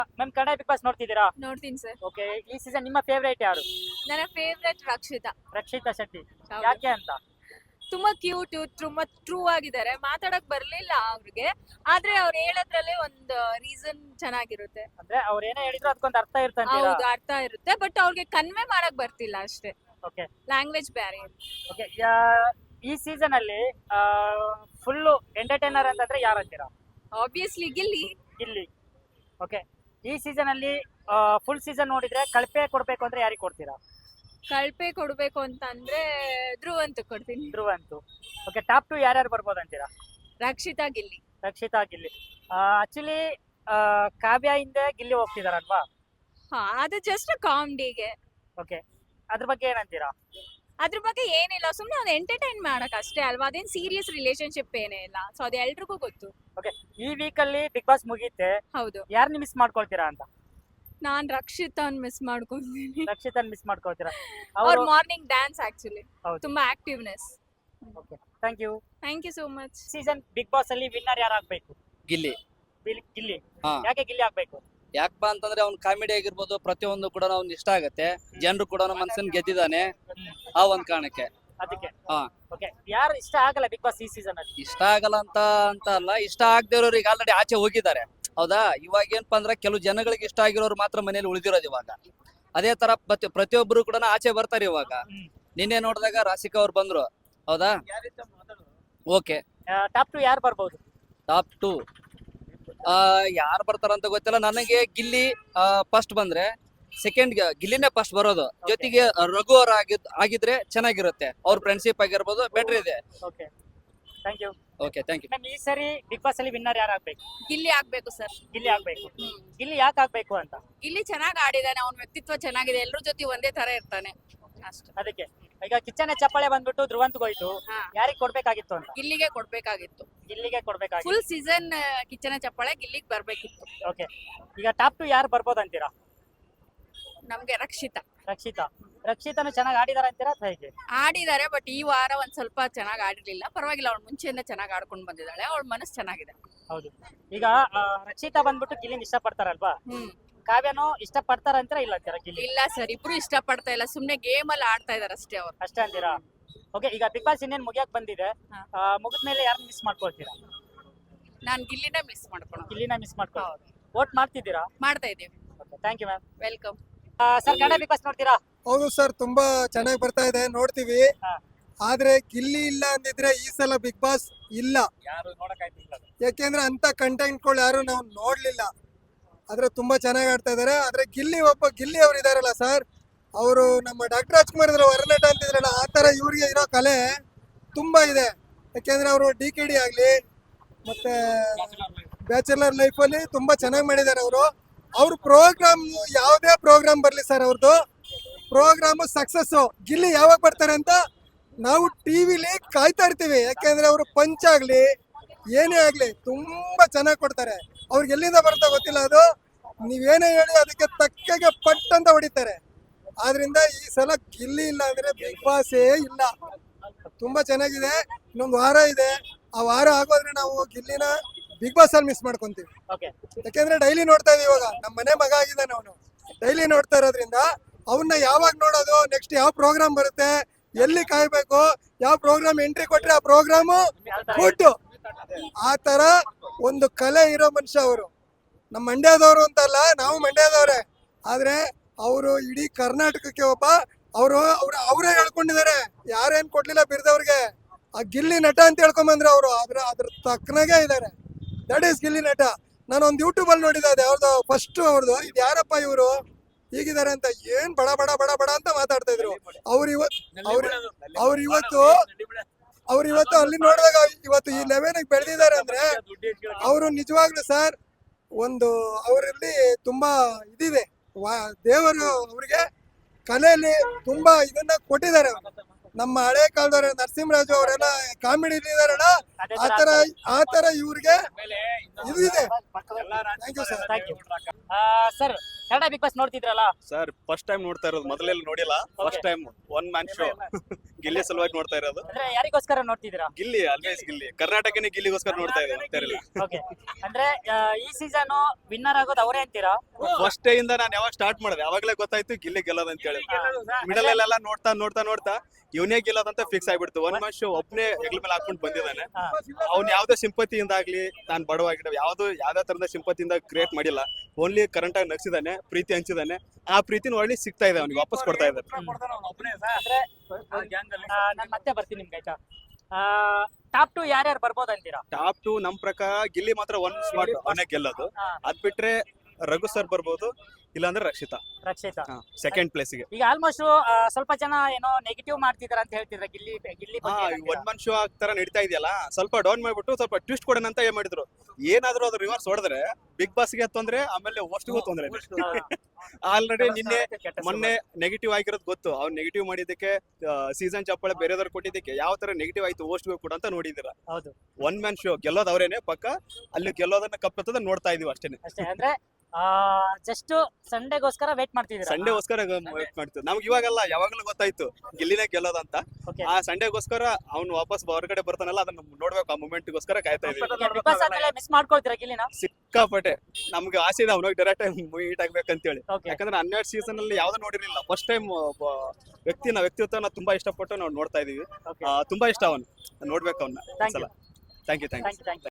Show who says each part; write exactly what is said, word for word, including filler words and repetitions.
Speaker 1: Ma'am Kannada Bigg Boss ನೋಡ್ತಿದ್ದೀರಾ?
Speaker 2: ನೋಡ್ತೀನಿ sir.
Speaker 1: Okay, ಈ ಸೀಸನ್ ನಿಮ್ಮ ಫೇವರೇಟ್ ಯಾರು?
Speaker 2: ನನ್ನ ಫೇವ್ರೆಟ್ ರಕ್ಷಿತಾ.
Speaker 1: ರಕ್ಷಿತಾ ಶೆಟ್ಟಿ.
Speaker 2: ಹೌದು.
Speaker 1: ಯಾಕೆ ಅಂತ?
Speaker 2: ತುಂಬಾ ಕ್ಯೂಟ್, ತುಂಬಾ ಟ್ರೂ ಆಗಿದ್ದಾರೆ. ಮಾತಾಡಕ್ ಬರ್ಲಿಲ್ಲ ಅವ್ರಿಗೆ, ಆದ್ರೆ ಅವ್ರು ಹೇಳೋದ್ರಲ್ಲೇ ಒಂದು ರೀಸನ್ ಚೆನ್ನಾಗಿರುತ್ತೆ.
Speaker 1: ಅಂದ್ರೆ ಅವ್ರು ಏನೇ ಹೇಳಿದ್ರು ಅದಕ್ಕೊಂದು ಅರ್ಥ ಇರ್ತಂತೀರಾ?
Speaker 2: ಹೌದು, ಅರ್ಥ ಇರುತ್ತೆ. ಬಟ್ ಅವ್ರಿಗೆ ಕನ್ವೆ ಮಾಡಕ್ ಬರ್ತಿಲ್ಲ ಅಷ್ಟೇ.
Speaker 1: Okay
Speaker 2: language barrier.
Speaker 1: ಓಕೆ, ಈ ಸೀಸನ್ ಅಲ್ಲಿ ಫುಲ್ ಎಂಟರ್ಟೈನರ್ ಅಂತಂದ್ರೆ ಯಾರು ಅಂತೀರಾ?
Speaker 2: ಆಬ್ವಿಯಸ್ಲಿ ಗಿಲ್ಲಿ.
Speaker 1: ಗಿಲ್ಲಿ. ಓಕೆ, ಈ ಸೀಸನ್ ಅಲ್ಲಿ ಫುಲ್ ಸೀಸನ್ ನೋಡಿದ್ರೆ ಕಳಪೆ ಕೊಡ್ಬೇಕು ಅಂದ್ರೆ ಯಾರಿಗೆ ಕೊಡ್ತೀರಾ?
Speaker 2: ಕಳ್ಪೆ ಕೊಡ್ಬೇಕು ಅಂತ ಅಂದ್ರೆ ಧ್ರುವ್ ಅಂತ ಕೊಡ್ತೀನಿ.
Speaker 1: ಧ್ರುವ ಅಂತೂ. ಓಕೆ, ಟಾಪ್ ಟು ಯಾರ್ಯಾರು ಬರ್ಬೋದು ಅಂತೀರಾ?
Speaker 2: ರಕ್ಷಿತಾ, ಗಿಲ್ಲಿ.
Speaker 1: ರಕ್ಷಿತಾ, ಗಿಲ್ಲಿ. ಆಕ್ಚುಲಿ ಕಾವ್ಯ ಹಿಂದೆ ಗಿಲ್ಲಿ ಹೋಗ್ತಿದಾರಲ್ವಾ?
Speaker 2: ಹಾ, ಅದು ಜಸ್ಟ್ ಕಾಮಿಡಿಗೆ.
Speaker 1: ಓಕೆ, ಅದ್ರ ಬಗ್ಗೆ ಏನಂತೀರಾ?
Speaker 2: ಅದ್ರ ಬಗ್ಗೆ ಏನಿಲ್ಲ, ಸುಮ್ನೆ ಒಂದು ಎಂಟರ್ಟೈನ್ ಮಾಡಕ್ ಅಷ್ಟೇ ಅಲ್ವಾ. ಅದೇನ್ ಸೀರಿಯಸ್ ರಿಲೇಶನ್ಶಿಪ್ ಏನೇ ಇಲ್ಲ. ಸೊ ಅದು ಎಲ್ರಿಗೂ ಗೊತ್ತು.
Speaker 1: ಓಕೆ, ಈ ವೀಕ್ ಅಲ್ಲಿ ಬಿಗ್ ಬಾಸ್ ಮುಗೀತೆ,
Speaker 2: ಹೌದು.
Speaker 1: ಯಾರನ್ನ ಮಿಸ್ ಮಾಡ್ಕೊಳ್ತೀರಾ ಅಂತ?
Speaker 2: ನಾನ್ ರಕ್ಷಿತಾನ್ ಮಿಸ್ ಮಾಡ್ಕೊಂತೀನಿ.
Speaker 1: ರಕ್ಷಿತನ್ ಮಿಸ್ ಮಾಡ್ಕೊಳ್ತೀರಾ?
Speaker 2: ಅವ್ರ
Speaker 1: ಅವರು
Speaker 2: ಮಾರ್ನಿಂಗ್ ಡ್ಯಾನ್ಸ್ ಆಕ್ಚುಲಿ
Speaker 1: ಹೌದು.
Speaker 2: ತುಂಬಾ activeness.
Speaker 1: Okay, thank you.
Speaker 2: Thank you so much.
Speaker 1: Season Bigg Boss ಅಲ್ಲಿ ವಿನ್ನರ್ ಯಾರು ಆಗ್ಬೇಕು?
Speaker 3: ಗಿಲ್ಲಿ.
Speaker 1: ಗಿಲ್ಲಿ- ಗಿಲ್ಲಿ.
Speaker 3: ಹಾ.
Speaker 1: ಯಾಕೆ ಗಿಲ್ಲಿ ಆಗ್ಬೇಕು?
Speaker 3: ಯಾಕಪ್ಪ ಅಂತಂದ್ರೆ ಅವ್ನ್ ಕಾಮಿಡಿ ಆಗಿರ್ಬೋದು, ಪ್ರತಿಯೊಂದು ಕೂಡ ಅವ್ನ್ ಇಷ್ಟ ಆಗತ್ತೆ. ಜನರು ಕೂಡ ಅವ್ನ ಮನ್ಸನ್ ಗೆದ್ದಿದ್ದಾನೆ ಆ ಒಂದ್ ಕಾರಣಕ್ಕೆ.
Speaker 1: ಅದಕ್ಕೆ.
Speaker 3: ಹಾ.
Speaker 1: ಓಕೆ, ಯಾರು ಇಷ್ಟ ಆಗಲ್ಲ ಬಿಗ್ ಬಾಸ್ ಈ ಸೀಸನ್ ಅಲ್ಲಿ?
Speaker 3: ಇಷ್ಟ ಆಗಲ್ಲ ಅಂತ ಅಂತ ಅಲ್ಲ, ಇಷ್ಟ ಆಗದೆ ಇರೋರು ಈಗ ಆಲ್ರೆಡಿ ಆಚೆ ಹೋಗಿದ್ದಾರೆ. ಹೌದಾ? ಇವಾಗ ಏನಪ್ಪಾ ಅಂದ್ರೆ ಕೆಲವು ಜನಗಳಿಗೆ ಇಷ್ಟ ಆಗಿರೋರು ಮಾತ್ರ ಮನೇಲಿ ಉಳಿದಿರೋದು ಇವಾಗ. ಅದೇ ತರ ಪ್ರತಿ ಪ್ರತಿಯೊಬ್ಬರು ಕೂಡ ಆಚೆ ಬರ್ತಾರೆ ಇವಾಗ.
Speaker 1: ಹ್ಮ್.
Speaker 3: ನಿನ್ನೆ ನೋಡಿದಾಗ ರಾಶಿಕಾ ಅವ್ರು ಬಂದ್ರು. ಹೌದಾ? ಓಕೆ.
Speaker 1: ಟಾಪ್ ಟು ಯಾರು ಬರ್ಬೋದು?
Speaker 3: ಟಾಪ್ ಟು ಯಾರು ಬರ್ತಾರಂತ ಗೊತ್ತಿಲ್ಲ ನನಗೆ. ಗಿಲ್ಲಿ ಫಸ್ಟ್ ಬಂದ್ರೆ, ಸೆಕೆಂಡ್ ಗಿಲ್ಲಿನೇ ಫಸ್ಟ್ ಬರೋದು. ಜೊತೆಗೆ ರಘು ಅವ್ರ ಆಗಿದ್ ಆಗಿದ್ರೆ ಚೆನ್ನಾಗಿರುತ್ತೆ. ಅವ್ರ ಫ್ರೆಂಡ್ಶಿಪ್ ಆಗಿರ್ಬೋದು, ಬೆಟರ್ ಇದೆ.
Speaker 1: Okay, thank you.
Speaker 3: Okay, thank you.
Speaker 1: Ma'am, ಈ ಸರಿ ಬಿಗ್ ಬಾಸ್ ಅಲ್ಲಿ ವಿನ್ನರ್ ಯಾರು ಆಗ್ಬೇಕು?
Speaker 2: ಗಿಲ್ಲಿ ಆಗ್ಬೇಕು ಸರ್.
Speaker 1: ಗಿಲ್ಲಿ ಆಗ್ಬೇಕು. ಗಿಲ್ಲಿ ಯಾಕೆ ಆಗ್ಬೇಕು ಅಂತ?
Speaker 2: ಗಿಲ್ಲಿ ಚೆನ್ನಾಗ್ ಆಡಿದಾನೆ, ಅವ್ನ ವ್ಯಕ್ತಿತ್ವ ಚೆನ್ನಾಗಿದೆ, ಎಲ್ರ ಜೊತೆ ಒಂದೇ ತರ ಇರ್ತಾನೆ ಅಷ್ಟೇ.
Speaker 1: ಅದಕ್ಕೆ ಈಗ ಕಿಚ್ಚನೆ ಚಪ್ಪಾಳೆ ಬಂದ್ಬಿಟ್ಟು ಧ್ರುವಂತ್ಗೆ ಹೋಯ್ತು,
Speaker 2: ಹಾ.
Speaker 1: ಯಾರಿಗ್ ಕೊಡ್ಬೇಕಾಗಿತ್ತು ಅಂತ?
Speaker 2: ಗಿಲ್ಲಿಗೆ ಕೊಡ್ಬೇಕಾಗಿತ್ತು.
Speaker 1: ಗಿಲ್ಲಿಗೆ ಕೊಡ್ಬೇಕಾಗಿತ್ತು.
Speaker 2: ಫುಲ್ ಸೀಸನ್ ಕಿಚ್ಚನ ಚಪ್ಪಾಳೆ ಗಿಲ್ಲಿಗೆ ಬರ್ಬೇಕಿತ್ತು.
Speaker 1: ಓಕೆ, ಈಗ ಟಾಪ್ ಟು ಯಾರು ಬರ್ಬೋದು ಅಂತೀರಾ?
Speaker 2: ನಮ್ಗೆ ರಕ್ಷಿತಾ.
Speaker 1: ರಕ್ಷಿತಾ. ರಕ್ಷಿತಾನು ಚೆನ್ನಾಗಿ ಆಡಿದಾರ ಅಂತೀರಾ ಅಥವಾ ಹೇಗೆ?
Speaker 2: ಆಡಿದಾರೆ, ಬಟ್ ಈ ವಾರ ಒಂದ್ ಸ್ವಲ್ಪ ಚೆನ್ನಾಗಿ ಆಡಿರ್ಲಿಲ್ಲ. ಪರವಾಗಿಲ್ಲ, ಅವಳು ಮುಂಚೆಯಿಂದ ಚೆನ್ನಾಗಿ ಆಡ್ಕೊಂಡು ಬಂದಿದ್ದಾಳೆ. ಅವಳ ಮನಸ್ಸು ಚೆನ್ನಾಗಿದೆ.
Speaker 1: ಹೌದು. ಈಗ ಆ, ರಕ್ಷಿತಾ ಬಂದ್ಬಿಟ್ಟು ಗಿಲ್ಲಿನ ಇಷ್ಟ ಪಡ್ತಾರಲ್ವಾ?
Speaker 2: ಹ್ಮ್.
Speaker 1: ಕಾವ್ಯನು ಇಷ್ಟ ಪಡ್ತಾರ ಅಂತೀರಾ ಇಲ್ಲ ಅಂತೀರಾ ಗಿಲ್ಲಿ?
Speaker 2: ಇಲ್ಲ ಸರ್, ಇಬ್ರು ಇಷ್ಟ ಪಡ್ತಾ ಇಲ್ಲ, ಸುಮ್ನೆ ಗೇಮ್ ಅಲ್ಲಿ ಆಡ್ತಾ ಇದಾರೆ ಅಷ್ಟೇ ಅವ್ರು.
Speaker 1: ಅಷ್ಟೇ ಅಂತೀರಾ? ಓಕೆ, ಈಗ ಬಿಗ್ ಬಾಸ್ ಇನ್ನೇನ್ ಮುಗಿಯಕ್ ಬಂದಿದೆ,
Speaker 2: ಹಾ.
Speaker 1: ಮುಗಿದ್ಮೇಲೆ ಯಾರನ್ನ ಮಿಸ್ ಮಾಡ್ಕೊಳ್ತೀರಾ?
Speaker 2: ನಾನ್ ಗಿಲ್ಲಿನ ಮಿಸ್ ಮಾಡ್ಕೊಳ.
Speaker 1: ಗಿಲ್ಲಿನ ಮಿಸ್ ಮಾಡ್ಕೊ ವೋಟ್ ಮಾಡ್ತಿದ್ದೀರಾ?
Speaker 2: ಮಾಡ್ತಾ ಇದೀವಿ.
Speaker 1: Thank you ma'am.
Speaker 2: Welcome.
Speaker 1: Sir, Kannada Bigg Boss ನೋಡ್ತೀರಾ?
Speaker 4: ಹೌದು ಸರ್, ತುಂಬಾ ಚೆನ್ನಾಗಿ ಬರ್ತಾ ಇದೆ, ನೋಡ್ತೀವಿ.
Speaker 1: ಹಾ.
Speaker 4: ಆದ್ರೆ ಗಿಲ್ಲಿ ಇಲ್ಲ ಅಂದಿದ್ರೆ ಈ ಸಲ ಬಿಗ್ ಬಾಸ್ ಇಲ್ಲ.
Speaker 1: ಯಾರು ನೋಡಕ್ಕಾಯ್ತಿಲ್ಲ.
Speaker 4: ಯಾಕೆಂದ್ರೆ ಅಂತ ಕಂಟೆಂಟ್ಗಳು ಯಾರು ನಾವು ನೋಡ್ಲಿಲ್ಲ. ಆದ್ರೆ ತುಂಬಾ ಚೆನ್ನಾಗಿ ಆಡ್ತಾ ಇದಾರೆ. ಆದ್ರೆ ಗಿಲ್ಲಿ ಒಬ್ಬ ಗಿಲ್ಲಿ ಅವ್ರು ಇದಾರಲ್ಲ ಸರ್, ಅವರು ನಮ್ಮ ಡಾಕ್ಟರ್ ರಾಜ್ಕುಮಾರ್ ಇದ್ರ ಹೊರನಟ ಅಂತಿದ್ರಲ್ಲ, ಆ ತರ ಇವ್ರಿಗೆ ಇರೋ ಕಲೆ ತುಂಬಾ ಇದೆ. ಯಾಕೆಂದ್ರೆ ಅವರು ಡಿ ಕೆ ಡಿ ಆಗ್ಲಿ ಮತ್ತೆ ಬ್ಯಾಚುಲರ್ ಲೈಫ್ ಅಲ್ಲಿ ತುಂಬಾ ಚೆನ್ನಾಗಿ ಮಾಡಿದ್ದಾರೆ ಅವರು. ಅವ್ರ ಪ್ರೋಗ್ರಾಮ್ ಯಾವುದೇ ಪ್ರೋಗ್ರಾಮ್ ಬರ್ಲಿ ಸರ್, ಅವ್ರದ್ದು ಪ್ರೋಗ್ರಾಮ್ ಸಕ್ಸಸ್. ಗಿಲ್ಲಿ ಯಾವಾಗ ಬರ್ತಾರೆ ಅಂತ ನಾವು ಟಿವಿಲಿ ಕಾಯ್ತಾ ಇರ್ತೀವಿ. ಯಾಕೆಂದ್ರೆ ಅವರು ಪಂಚ್ ಆಗ್ಲಿ ಏನೇ ಆಗ್ಲಿ ತುಂಬಾ ಚೆನ್ನಾಗಿ ಕೊಡ್ತಾರೆ. ಅವ್ರಿಗೆ ಎಲ್ಲಿಂದ ಬರುತ್ತಾ ಗೊತ್ತಿಲ್ಲ, ಅದು ನೀವೇನೇ ಹೇಳಿ ಅದಕ್ಕೆ ತಕ್ಕಗೆ ಪಟ್ ಅಂತ ಹೊಡಿತಾರೆ. ಆದ್ರಿಂದ ಈ ಸಲ ಗಿಲ್ಲಿ ಇಲ್ಲ ಅಂದ್ರೆ ಬಿಗ್ ಬಾಸೇ ಇಲ್ಲ. ತುಂಬಾ ಚೆನ್ನಾಗಿದೆ. ಇನ್ನೊಂದು ವಾರ ಇದೆ, ಆ ವಾರ ಆಗೋದ್ರೆ ನಾವು ಗಿಲ್ಲಿನ ಬಿಗ್ ಬಾಸ್ ಅಲ್ಲಿ ಮಿಸ್ ಮಾಡ್ಕೊಂತೀವಿ.
Speaker 1: ಓಕೆ,
Speaker 4: ಯಾಕೆಂದ್ರೆ ಡೈಲಿ ನೋಡ್ತಾ ಇದೀವಿ. ಇವಾಗ ನಮ್ಮ ಮನೆ ಮಗ ಆಗಿದ್ದಾನೆ ಅವನು, ಡೈಲಿ ನೋಡ್ತಾ ಇರೋದ್ರಿಂದ ಅವನ್ನ ಯಾವಾಗ ನೋಡೋದು, ನೆಕ್ಸ್ಟ್ ಯಾವ ಪ್ರೋಗ್ರಾಮ್ ಬರುತ್ತೆ, ಎಲ್ಲಿ ಕಾಯ್ಬೇಕು, ಯಾವ ಪ್ರೋಗ್ರಾಮ್ ಎಂಟ್ರಿ ಕೊಟ್ರೆ ಆ ಪ್ರೋಗ್ರಾಮು ಕೊಟ್ಟು, ಆ ತರ ಒಂದು ಕಲೆ ಇರೋ ಮನುಷ್ಯ ಅವರು. ನಮ್ಮ ಮಂಡ್ಯದವರು ಅಂತಲ್ಲ, ನಾವು ಮಂಡ್ಯದವ್ರೆ. ಆದ್ರೆ ಅವರು ಇಡೀ ಕರ್ನಾಟಕಕ್ಕೆ ಒಬ್ಬ ಅವರು ಅವ್ರ ಅವರೇ ಹೇಳ್ಕೊಂಡಿದ್ದಾರೆ, ಯಾರೇನ್ ಕೊಡ್ಲಿಲ್ಲ ಬಿರ್ದವ್ರಿಗೆ. ಆ ಗಿಲ್ಲಿ ನಟ ಅಂತ ಹೇಳ್ಕೊಂಬಂದ್ರೆ ಅವರು ಅದ್ರ ಅದ್ರ ತಕ್ಕನಾಗೆ ಇದ್ದಾರೆ. ದಟ್ ಈಸ್ ಗಿಲ್ಲಿ ನಟ. ನಾನು ಒಂದು ಯೂಟ್ಯೂಬ್ ಅಲ್ಲಿ ನೋಡಿದ್ದೆ, ಅದು ಯಾವ್ದು ಫಸ್ಟ್ ಅವ್ರದ್ದು, ಇದು ಯಾರಪ್ಪ ಇವರು ಹೀಗಿದ್ದಾರೆ ಅಂತ, ಏನ್ ಬಡ ಬಡ ಬಡ ಬಡ ಅಂತ ಮಾತಾಡ್ತಾ ಇದ್ರು. ಅವ್ರ ಇವತ್ತು ಅವ್ರ ಅವ್ರ ಇವತ್ತು ಅವ್ರ ಇವತ್ತು ಅಲ್ಲಿ ನೋಡಿದಾಗ ಇವತ್ತು ಈ ಲೆವೆಲ್ ಬೆಳೆದಿದ್ದಾರೆ ಅಂದ್ರೆ ಅವರು ನಿಜವಾಗ್ಲೂ ಸರ್ ಒಂದು ಅವರಲ್ಲಿ ತುಂಬಾ ಇದಿದೆ. ದೇವರು ಅವ್ರಿಗೆ ಕಲೆಯಲ್ಲಿ ತುಂಬಾ ಇದನ್ನ ಕೊಟ್ಟಿದ್ದಾರೆ. ನಮ್ಮ ಹಳೆ ಕಾಲದವ್ರ ನರಸಿಂಹರಾಜು ಅವರೆಲ್ಲ ಕಾಮಿಡಿ ಇದಾರಲ್ಲ, ಆತರ ಆತರ ಇವ್ರಿಗೆ ಇದು ಇದೆ. Thank you sir.
Speaker 1: Thank you. Sir, Kannada Bigg Boss ನೋಡ್ತಿದ್ರಲ್ಲ?
Speaker 5: ಸರ್ ಫಸ್ಟ್ ಟೈಮ್ ನೋಡ್ತಾ ಇರೋದು, ಮೊದಲೆಲ್ಲ ನೋಡಿಲ್ಲ. First time one man show Gilli ಸಲುವಾಗಿ ನೋಡ್ತಾ ಇರೋದು.
Speaker 1: ಅಂದ್ರೆ ಯಾರಿಗೋಸ್ಕರ ನೋಡ್ತಿದ್ದೀರಾ?
Speaker 5: ಗಿಲ್ಲಿ ಆಲ್ವೇಸ್ ಗಿಲ್ಲಿ, ಕರ್ನಾಟಕನೇ ಗಿಲ್ಲಿಗೋಸ್ಕರ ನೋಡ್ತಾ ಇರೋದು.
Speaker 1: ಓಕೆ, ಅಂದ್ರೆ ಆ, ಈ ಸೀಸನ್ ವಿನ್ನರ್ ಆಗೋದು ಅವರೇ ಅಂತೀರಾ?
Speaker 5: ಫಸ್ಟ್ ಡೇ ಇಂದ ನಾನು ಯಾವಾಗ ಸ್ಟಾರ್ಟ್ ಮಾಡಿದೆ ಅವಾಗಲೇ ಗೊತ್ತಾಯ್ತು ಗಿಲ್ಲಿ ಗೆಲ್ಲೋದು ಅಂತ ಹೇಳಿ. ಮಿಡಲ್ ಅಲ್ಲೆಲ್ಲ ನೋಡ್ತಾ ನೋಡ್ತಾ ನೋಡ್ತಾ ಇವನೇ ಗೆಲ್ಲೋದಂತ ಫಿಕ್ಸ್ ಆಗ್ಬಿಡ್ತು. ಒನ್ ಮ್ಯಾನ್ ಶೋ ಒಬ್ನೇ ಹೆಗ್ಲ ಮೇಲೆ ಹಾಕೊಂಡು ಬಂದಿದ್ದಾನೆ.
Speaker 1: ಹಾ.
Speaker 5: ಅವ್ನು ಯಾವ್ದೋ ಸಿಂಪತಿಯಿಂದ ಆಗ್ಲಿ, ನಾನು ಬಡವಾಗಿದ್ದ ಯಾವ್ದು ಯಾವ್ದೇ ತರದ ಸಿಂಪತಿಯಿಂದ ಕ್ರಿಯೇಟ್ ಮಾಡಿಲ್ಲ. ಓನ್ಲಿ ಕರೆಂಟ್ ಆಗಿ ನಗ್ಸಿದಾನೆ, ಪ್ರೀತಿ ಹಂಚಿದಾನೆ. ಆ ಪ್ರೀತಿನ ಒಳ್ಳೆ ಸಿಗ್ತಾ ಇದೆ, ಅವ್ನಿಗೆ ವಾಪಸ್ ಕೊಡ್ತಾ ಇದ್ದಾರೆ.
Speaker 1: ನಾನು ಮತ್ತೆ ಬರ್ತೀನಿ ನಿಮ್ಗೆ, ಆಯ್ತಾ? ಟಾಪ್ ಟು ಯಾರ್ಯಾರು ಬರ್ಬೋದು ಅಂತೀರಾ?
Speaker 5: ಟಾಪ್ ಟು ನಮ್ ಪ್ರಕಾರ ಗಿಲ್ಲಿ ಮಾತ್ರ ಒನ್ ಸ್ಪಾಟ್ ಅವನೇ ಗೆಲ್ಲೋದು.
Speaker 1: ಹಾ.
Speaker 5: ಅದ್ ಬಿಟ್ರೆ ರಘು ಸರ್ ಬರ್ಬೋದು, ಇಲ್ಲಾಂದ್ರೆ ರಕ್ಷಿತಾ
Speaker 1: ರಕ್ಷಿತಾ.
Speaker 5: ಸೆಕೆಂಡ್ ಪ್ಲೇಸ್ಗೆ.
Speaker 1: ಈಗ ಆಲ್ಮೋಸ್ಟ್ ಸ್ವಲ್ಪ ಜನ ಏನೋ ನೆಗೆಟಿವ್ ಮಾಡ್ತಿದಾರ ಅಂತ ಹೇಳ್ತಿದ್ರ ಗಿಲ್ಲಿ ಗಿಲ್ಲಿ
Speaker 5: ಹಾ
Speaker 1: ಬಗ್ಗೆ ಏನಂತೀರಾ?
Speaker 5: ಒನ್ ಮನ್ ಶೋ ತರ ನಡೀತಾ ಇದೆಯಲ್ಲ, ಸ್ವಲ್ಪ ಡೌನ್ ಮಾಡ್ಬಿಟ್ಟು ಸ್ವಲ್ಪ ಟ್ವಿಸ್ಟ್ ಕೊಡೋಣ ಅಂತ ಏನ್ ಮಾಡಿದ್ರು. ಏನಾದ್ರೂ ಅದು ರಿವರ್ಸ್ ಹೊಡೆದ್ರೆ ಬಿಗ್ ಬಾಸ್ಗೆ ತೊಂದ್ರೆ, ಆಮೇಲೆ ಹೋಸ್ಟ್ಗೂ ತೊಂದ್ರೆ. ಆಲ್ರೆಡಿ ನಿನ್ನೆ ಮೊನ್ನೆ ನೆಗೆಟಿವ್ ಆಗಿರೋದು ಗೊತ್ತು. ಅವ್ರು ನೆಗೆಟಿವ್ ಮಾಡಿದ್ದಕ್ಕೆ ಸೀಸನ್ ಚಪ್ಪಾಳೆ ಬೇರೆದವ್ರು ಕೊಟ್ಟಿದ್ದಕ್ಕೆ ಯಾವ ತರ ನೆಗೆಟಿವ್ ಆಯ್ತು ಹೋಸ್ಟ್ಗೂ ಕೂಡ ಅಂತ ನೋಡಿದಿರ.
Speaker 1: ಹೌದು,
Speaker 5: ಒನ್ ಮ್ಯಾನ್ ಶೋ ಗೆಲ್ಲೋದು ಅವರೇನೆ ಪಕ್ಕ. ಅಲ್ಲಿ ಗೆಲ್ಲೋದನ್ನ ಕಪ್ಪತ್ತದ ನೋಡ್ತಾ ಇದೀವಿ ಅಷ್ಟೇನೆ.
Speaker 1: ಅಷ್ಟೇ. ಅಂದ್ರೆ ಜಸ್ಟ್ ಸಂಡೇಗೋಸ್ಕರ ವೇಟ್ ಮಾಡ್ತಿದ್ದೀರಾ?
Speaker 5: ಸಂಡೇಗೋಸ್ಕರ ವೇಟ್ ಮಾಡ್ತೀವಿ. ನಮ್ಗೆ ಇವಾಗೆಲ್ಲ ಯಾವಾಗಲೂ ಗೊತ್ತಾಯ್ತು ಗಿಲ್ಲಿನೇ ಗೆಲ್ಲೋದಂತ.
Speaker 1: Okay.
Speaker 5: ಆ ಸಂಡೇಗೋಸ್ಕರ ಅವ್ನು ವಾಪಸ್ ಹೊರಗಡೆ ಬರ್ತಾನಲ್ಲ, ಅದನ್ನ ನೋಡ್ಬೇಕು. ಆ ಮೂಮೆಂಟ್ಗೋಸ್ಕರ ಕಾಯ್ತಾ ಇದೀವಿ.
Speaker 1: ಬಿಗ್ ಬಾಸ್ ಆದ್ಮೇಲೆ ಮಿಸ್ ಮಾಡ್ಕೊಳ್ತೀರಾ ಗಿಲ್ಲಿನ?
Speaker 5: ಸಿಕ್ಕಾಪಟ್ಟೆ ನಮ್ಗೆ ಆಸೆ ಇದೆ ಅವ್ನಿಗೆ ಡೈರೆಕ್ಟ್ ಟೈಮ್ ಮೀಟ್ ಆಗ್ಬೇಕಂತೇಳಿ.
Speaker 1: ಓಕೆ,
Speaker 5: ಯಾಕಂದ್ರೆ ಹನ್ನೆರಡು ಸೀಸನ್ ಅಲ್ಲಿ ಯಾವ್ದು ನೋಡಿರ್ಲಿಲ್ಲ. ಫಸ್ಟ್ ಟೈಮ್ ವ್ಯಕ್ತಿನ ವ್ಯಕ್ತಿತ್ವನ ತುಂಬಾ ಇಷ್ಟಪಟ್ಟು ನಾವು ನೋಡ್ತಾ ಇದೀವಿ.
Speaker 1: ಓಕೆ,
Speaker 5: ಆ, ತುಂಬಾ ಇಷ್ಟ ಅವನು, ನೋಡ್ಬೇಕು ಅವನ್ನ.
Speaker 1: Thank you
Speaker 5: thank you thank you
Speaker 1: thank you thank you